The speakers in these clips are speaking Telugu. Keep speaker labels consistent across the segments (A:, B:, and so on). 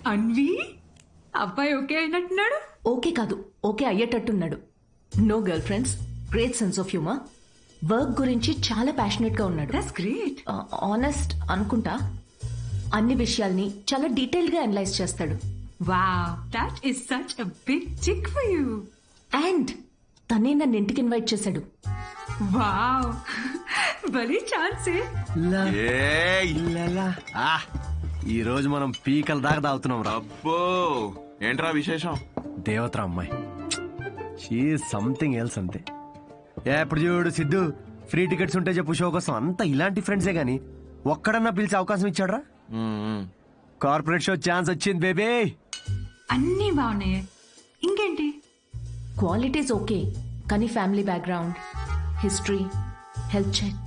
A: అన్వి అబ్బాయి ఓకే అయినట్టున్నాడు.
B: ఓకే కాదు, ఓకే అయ్యేటట్టున్నాడు. No girl friends, great sense of humour, work గురించి చాలా ప్యాషనెట్ గా ఉన్నాడు.
A: That's great.
B: ఆనెస్ట్ అనుకుంటా. అన్ని విషయాల్ని చాలా డీటెయిల్ గా అనలైజ్ చేస్తాడు.
A: Wow, that is such a big chick for you.
B: And తనే నన్ను ఇంటికి ఇన్వైట్ చేశాడు.
A: వావ్, భలే ఛాన్సే.
C: ఈ రోజు మనం పీకల దాకా తాగుతున్నాం రా.
D: అబ్బో, ఏంట్రా విశేషం?
C: దేవతరా అమ్మాయి, షీ సంథింగ్ ఎల్స్ అంతే. ఎప్పుడు చూడు సిద్ధు, ఫ్రీ టికెట్స్ ఉంటే చెప్పు షో కోసం. అంతా ఇలాంటి ఫ్రెండ్సే గాని ఒక్కడన్నా పిలిచే అవకాశం ఇచ్చాడ్రా? కార్పొరేట్ షో ఛాన్స్ వచ్చింది బేబీ.
A: అన్నీ బాగున్నాయి, ఇంకేంటి?
B: క్వాలిటీస్ ఓకే, కానీ family background, history, health check.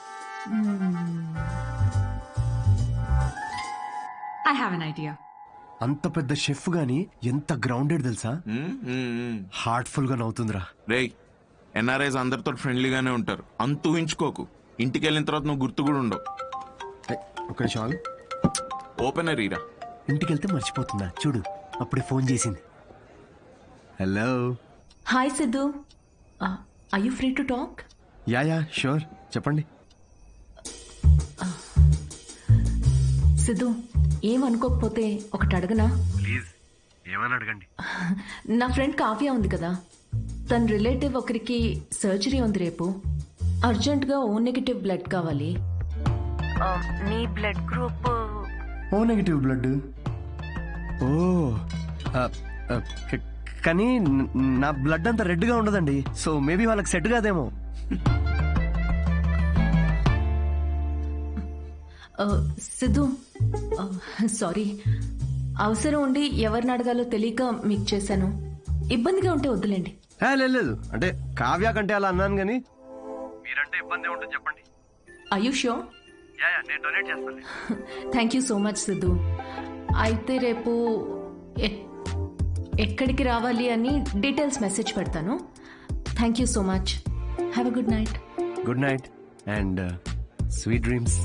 A: I have an idea.
C: అంత పెద్ద షెఫ్ గాని ఎంత గ్రౌండెడ్ తెలుసా? హార్ట్ఫుల్ గా నవ్వుతుందిరా.
D: రేయ్, ఎన్ఆర్ఐస్ అందరితో ఫ్రెండ్లీగానే ఉంటారు, అంత ఊహించుకోకు. ఇంటికి వెళ్ళిన తర్వాత నువ్వు గుర్తు కూడా ఉండవు.
C: ఒక నిమిషం,
D: ఓపెనర్ ఈరా.
C: ఇంటికి వెళ్తే మర్చిపోతుందా చూడు, అప్పుడే ఫోన్ చేసింది. Hello.
B: Hi Siddhu, are you free to talk?
C: Yeah sure, చెప్పండి.
B: సిద్ధు, ఏమనుకోకపోతే ఒకటి అడగనా?
C: ప్లీజ్, ఏమని అడగండి.
B: నా ఫ్రెండ్ కావ్య ఉంది కదా, తన రిలేటివ్ ఒకరికి సర్జరీ ఉంది రేపు. అర్జెంట్గా ఓ నెగిటివ్ బ్లడ్ కావాలి. నీ blood group
C: O negative blood. ఓ కానీ నా బ్లడ్ అంత రెడ్ గా ఉండదండి, సో మేబీ వాళ్ళకి సెట్ కాదేమో.
B: సిద్ధు, సారీ, అవసరం ఉండి ఎవరిని అడగాలో తెలియక మీకు చేశాను. ఇబ్బందిగా ఉంటే వద్దులేండి.
C: లేదు, అంటే కావ్య కంటే అలా అన్నాను కానీ మీరంటే ఇబ్బంది ఉంటుంది చెప్పండి.
B: Are you sure?
C: నేను డొనేట్ చేస్తాను.
B: Thank you so much Siddhu. అయితే రేపు ఎక్కడికి రావాలి అని డీటెయిల్స్ మెసేజ్ పెడతాను. Thank you so much. Have a good night.
C: Good night and sweet dreams.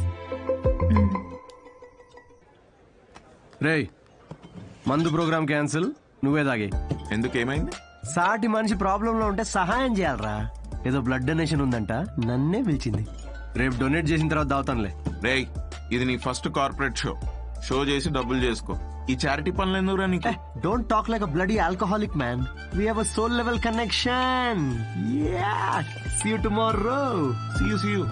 C: రేయ్, మందు ప్రోగ్రామ్ క్యాన్సిల్, నువ్వే తాగే.
D: ఎందుకు, ఏమైంది?
C: సాటి మనిషి ప్రాబ్లంలో ఉంటే సహాయం చేయాలరా. ఏదో బ్లడ్ డొనేషన్ ఉందంట, నన్నే పిలిచింది. రేపు డొనేట్ చేసిన తర్వాత దావుతానులే.
D: రేయ్, ఇది నీ ఫస్ట్ కార్పొరేట్ షో చేసి డబ్బులు చేసుకో. ఈ చారిటీ పనులు ఎందుకురా నీకు?
C: Don't talk like a bloody alcoholic man. We have a soul level connection. Yeah, see you tomorrow.
D: See you.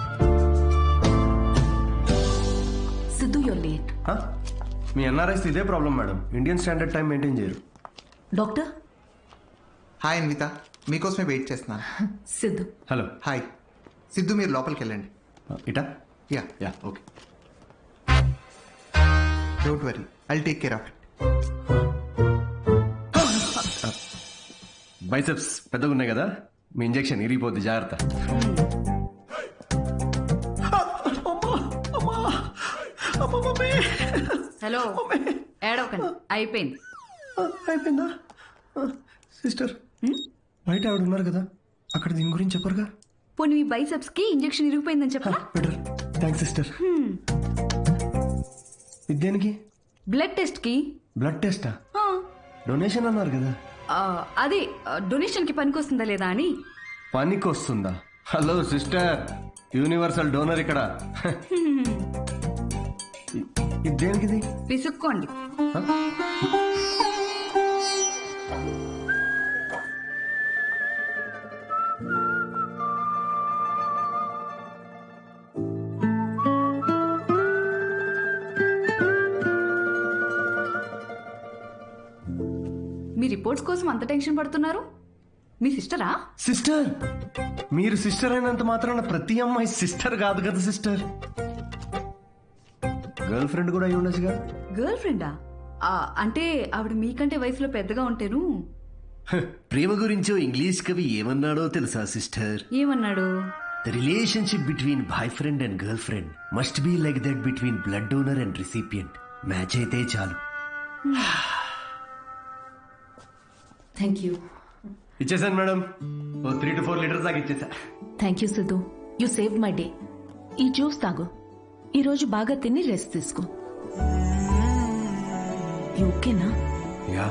B: Siddhu, you're late.
C: మీ ఎన్ఆర్ఐస్ ఇదే problem madam, Indian standard time maintain చేయరు.
B: డాక్టర్.
E: హాయ్ అన్విత, మీకోసమే వెయిట్ చేస్తున్నాను.
B: సిద్ధు.
C: హలో.
E: హాయ్ సిద్ధు, మీరు లోపలికి వెళ్ళండి.
C: ఇటా?
E: Yeah,
C: okay.
E: Don't worry, I'll take care of it.
C: Biceps పెద్దగా ఉన్నాయి కదా, మీ ఇంజెక్షన్ ఇరిగిపోద్ది, జాగ్రత్త.
A: హలో, ఏడవకండి, అయిపోయింది.
C: అయిపోయిందా? సిస్టర్, బయట ఆవిడ ఉన్నారు కదా, అక్కడ దీని గురించి చెప్పరుగా?
A: పోనీ మీ బైసెప్స్ కి ఇంజెక్షన్ ఇరిగిపోయిందని చెప్పరా?
C: Better, thanks sister. దేనికి?
A: బ్లడ్ టెస్ట్ కి.
C: బ్లడ్ టెస్టా? డొనేషన్ అన్నారు కదా.
A: అదే డొనేషన్ కి పనికొస్తుందా లేదా అని.
C: పనికొస్తుందా? హలో సిస్టర్, యూనివర్సల్ డోనర్ ఇక్కడ. దేనికిది?
A: విసుక్కోండి. మీ రిపోర్ట్స్ కోసం అంత టెన్షన్ పడుతున్నారు? మీ సిస్టరా?
C: సిస్టర్? మీరు సిస్టర్ అయినంత మాత్రాన ప్రతి అమ్మాయి సిస్టర్ కాదు కదా సిస్టర్. గర్ల్ ఫ్రెండ్ కూడా అయి ఉండొచ్చుగా.
A: గర్ల్ ఫ్రెండా? అంటే ఆవిడ మీకంటే వయసులో పెద్దగా ఉంటేను.
C: ప్రేమ గురించో ఇంగ్లీష్ కవి ఏమన్నాడో తెలుసా సిస్టర్?
A: ఏమన్నాడు?
C: The relationship between boyfriend and girlfriend must be like that between blood donor and recipient. Match అయితే చాలు.
B: Thank you.
C: ఇచ్చేసాను మేడం, 3 to 4 లీటర్స్ దాకా ఇచ్చేసా.
B: Thank you Siddhu, you save my day. ఈ జ్యూస్ తాగు, ఈరోజు బాగా తిని రెస్ట్ తీసుకో. ఓకేనా?
C: యా,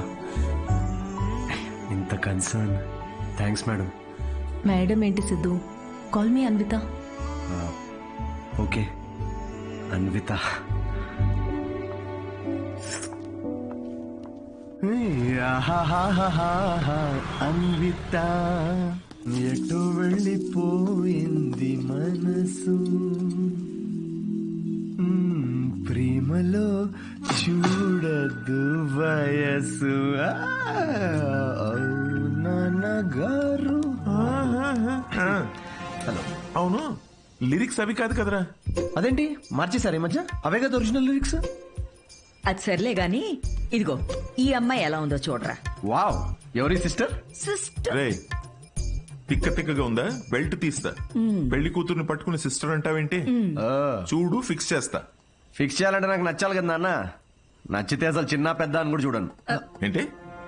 C: ఇంత కన్సర్న్. Thanks madam.
B: మేడం ఏంటి Siddhu, call me Anvitha.
C: Okay Anvitha. Anvitha ఎటు వెళ్ళిపోయింది మనసు, ప్రేమలో చూడదు వయసు. నాన్నగారు. హలో.
D: అవును, లిరిక్స్ అవి కాదు కదరా.
C: అదేంటి మార్చేశారు ఈ మధ్య? అవే కదా ఒరిజినల్ లిరిక్స్.
F: అది సర్లే గాని ఇదిగో ఈ అమ్మాయి ఎలా ఉందో చూడరా.
C: వావ్, ఎవరి సిస్టర్?
F: సిస్టర్
D: రే, తిక్క తిక్కగా ఉందా? బెల్ట్ తీస్తా. పెళ్లి కూతుర్ని పట్టుకుని సిస్టర్ అంటావేంటి? చూడు, ఫిక్స్ చేస్తా.
C: ఫిక్స్ చేయాలంటే నాకు నచ్చాలి కదా నాన్న. నచ్చితే అసలు చిన్న పెద్ద అని కూడా చూడను.
D: ఏంటి?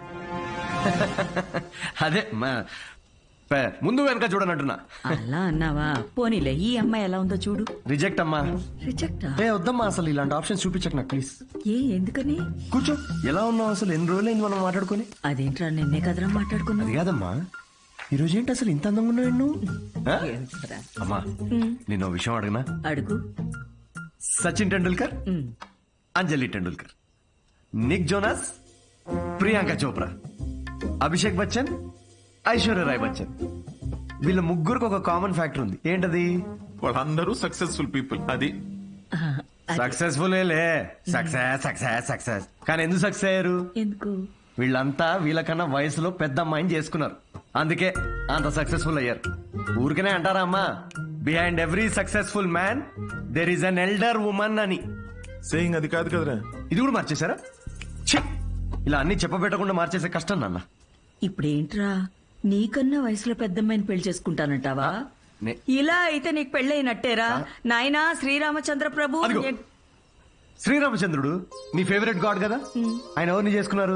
C: అదే ముందు వెనక చూడనంటున్నా.
F: అలా అన్నావా? పోనీలే, ఈ అమ్మాయి ఎలా ఉందో చూడు.
C: రిజెక్ట్ అమ్మా.
F: రిజెక్టా?
C: వద్దమ్మా, అసలు ఇలాంటి ఆప్షన్స్ చూపించక నాకు ప్లీజ్.
F: ఎందుకని?
C: కూర్చో. ఎలా ఉన్నావు అసలు? ఎన్ని రోజులైంది మనం మాట్లాడుకొని?
F: అదేంట్రా, నిన్నే కదరా మాట్లాడుకున్నా.
C: అది కాదమ్మా, ఈ రోజు ఏంటి అసలు ఇంత అందంగా ఉన్నావు నువ్వు? అమ్మా, నేను ఓ విషయం అడగనా?
F: అడుగు.
C: సచిన్ టెండూల్కర్, అంజలి టెండూల్కర్, నిక్ జోనాస్, ప్రియాంక చోప్రా, అభిషేక్ బచ్చన్, ఐశ్వర్య రాయ్ బచ్చన్, వీళ్ళ ముగ్గురికి ఒక కామన్ ఫ్యాక్టర్ ఉంది. ఏంటది?
D: వాళ్ళందరూ సక్సెస్ఫుల్ పీపుల్. అది
C: సక్సెస్ఫుల్ సక్సెస్ సక్సెస్ సక్సెస్. కానీ ఎందుకు సక్సెస్ అయ్యారు?
F: ఎందుకు?
C: వీళ్ళంతా వీళ్ళకన్నా వయసులో పెద్ద అమ్మాయిని చేసుకున్నారు, అందుకే అంత సక్సెస్ఫుల్ అయ్యారు. ఊరికనే అంటారా అమ్మా, behind every successful man there is an elder woman అని.
D: సేయింగ్ అది కాదు కదరా.
C: ఇది కూడా మార్చేశారా? ఛీ! ఇలా అన్ని చెప్పబెట్టకుండా మార్చేసే కష్టం నాన్న.
F: ఇప్పుడేంట్రా, నీకన్నా వయసులో పెద్దమ్మాయిని పెళ్లి చేసుకుంటానంటావా? ఇలా అయితే నీకు పెళ్ళైనట్టేరా నాయనా. శ్రీరామచంద్ర ప్రభు.
C: అదిగో. శ్రీరామచంద్రుడు నీ ఫేవరెట్ గాడ్ కదా, ఆయన ఎవరిని చేసుకున్నారు?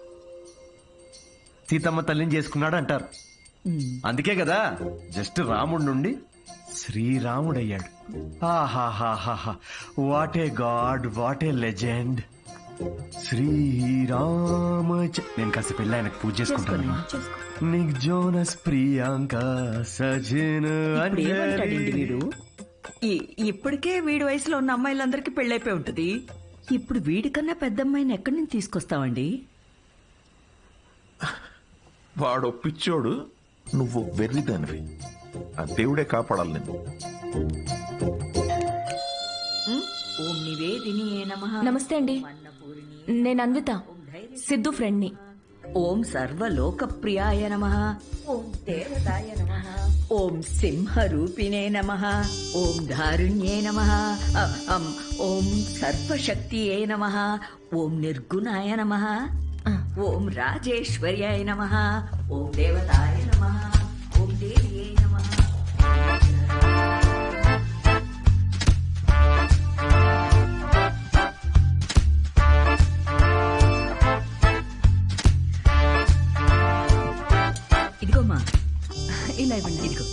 C: సీతమ్మ తల్లిని చేసుకున్నాడు అంటారు. అందుకే కదా జస్ట్ రాముడి నుండి శ్రీరాముడయ్యాడు. ఆహాహాహా, what a god, what a legend. Srirama. నేను కాస్త పెళ్ళి ఆయనకు పూజ చేసుకుంటాను. నిక్ జోనస్, ప్రియాంక, సజిన్,
F: ఇప్పుడేమంటాడండి వీడు? ఇప్పటికే వీడి వయసులో ఉన్న అమ్మాయిలందరికీ పెళ్ళైపోయి ఉంటుంది. ఇప్పుడు వీడికన్నా పెద్ద అమ్మాయిని ఎక్కడి నుంచి తీసుకొస్తావండి?
D: వాడు పిచ్చోడు, నువ్వు వెర్రిదానివి. ఆ దేవుడే కాపాడాలి నిన్ను.
F: ఓం నివేదినియే నమః.
B: నమస్తే అండి, నేను అన్విత, సిద్ధు ఫ్రెండ్ని.
F: ఓం సర్వలోకప్రియాయ నమః. ఓం దేవతాయ నమః. ఓం సింహరూపిణే నమః. ఓం ధారుణ్యే నమః. ఓం సర్వశక్తియే నమః. ఓం నిర్గుణాయ నమః. ఓం రాజేశ్వర్యాయ నమః. ఓం దేవతాయ నమః. ఓం దేవ్యే నమః. ఇదిగోమ్మా,
B: ఇలా ఇవ్వండి.
F: ఇదిగో.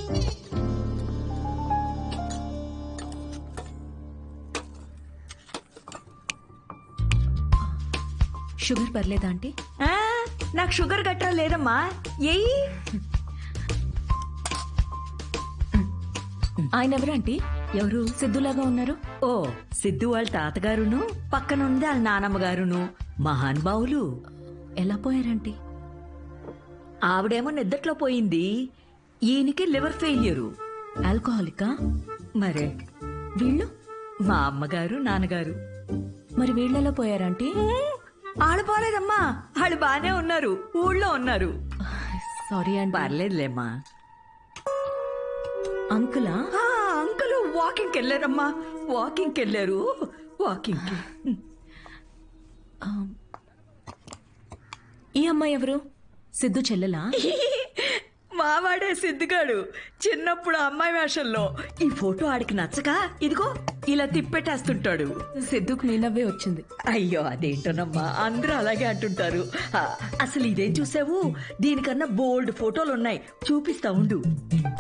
B: షుగర్ పర్లేదా ఆంటీ?
F: ఆ, నాకు షుగర్ గట్రా లేదమ్మా. ఏయ్,
B: ఆయన ఎవరు ఆంటీ?
F: ఎవరు?
B: సిద్ధులాగా ఉన్నారు.
F: ఓ, సిద్ధు వాళ్ళ తాతగారును, పక్కనుంది వాళ్ళ నానమ్మగారును మహానుభావులు.
B: ఎలా పోయారంటీ?
F: ఆవిడేమో నిద్దట్లో పోయింది, ఈయనకి లివర్ ఫెయిల్యూరు.
B: ఆల్కహాలికా?
F: మరే
B: వీళ్ళు?
F: మా అమ్మగారు నాన్నగారు.
B: మరి వీళ్ళెలా పోయారంటీ?
F: వాళ్ళు పోలేదమ్మా, వాళ్ళు బానే ఉన్నారు, ఊళ్ళో ఉన్నారు.
B: సారీ అండి.
F: పర్లేదులేమ్మా.
B: అంకులా?
F: అంకుల్ వాకింగ్కి వెళ్ళారమ్మా, వాకింగ్కి వెళ్ళారు. వాకింగ్కి.
B: ఈ అమ్మాయి ఎవరు? సిద్ధు చెల్లెలా?
F: మావాడే సిద్ధిగాడు, చిన్నప్పుడు అమ్మాయి వేషంలో. ఈ ఫోటో ఆడికి నచ్చక ఇదిగో ఇలా తిప్పెట్టేస్తుంటాడు.
B: సిద్ధుకు మీ నవ్వే వచ్చింది.
F: అయ్యో అదేంటోనమ్మా, అందరూ అలాగే అంటుంటారు. అసలు ఇదేం చూసావు, దీనికన్నా బోల్డ్ ఫోటోలు ఉన్నాయి, చూపిస్తా ఉండు.